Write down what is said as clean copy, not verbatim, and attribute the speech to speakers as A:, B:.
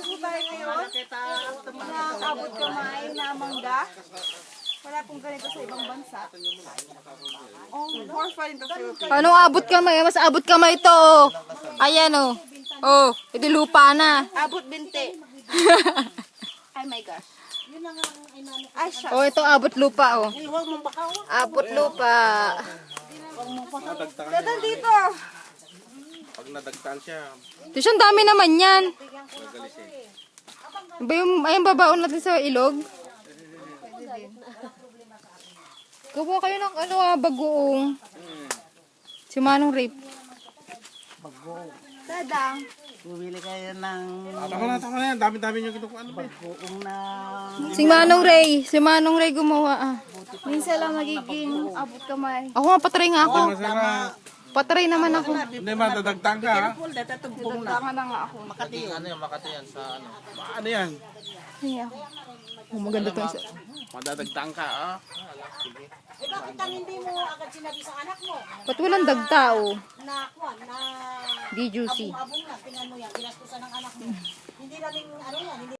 A: po tayo ngayon. Abot kamay na mangga. Wala pong ganito sa ibang bansa. Oh, more fun in the Philippines.
B: Anong abot kamay? Mas abot kamay to. Oh. Ayan oh. Oh, ito lupa na.
A: Abot binte. Ay my gosh. Ay, siya.
B: Oh, ito abot lupa oh. Abot lupa.
A: Dadal dito.
C: Pag nadagtan siya,
B: Ito siyang dami naman yan. Ba yung ayun babaon natin sa ilog? Gawa kayo ng ano bagoong. Si Manong Rape.
A: Dadang.
D: Bumili kayo ng
C: tama na yan. Dami-dami nyo kinukuha. Ano ba?
D: buong na
B: Si Manong Ray. Si Manong Ray gumawa ah.
A: Minsan lang magiging abot kamay.
B: Ako nga patry nga ako.
C: Masarap.
B: Patry naman ako.
C: Hindi, madadagtan ka ha.
A: Dadang na nga ako.
C: Ano yan?
B: Ay, ako. Oh, maganda to isa.
C: Madadagtan ka ha.
E: Eh bakit ang hindi mo agad sinabi sa anak mo
B: Ba't walang dagtao?
E: na kuwan na
B: Di juicy.
E: abong na tingnan mo yan ginastusan ng anak mo. Hindi namin ano yan, hindi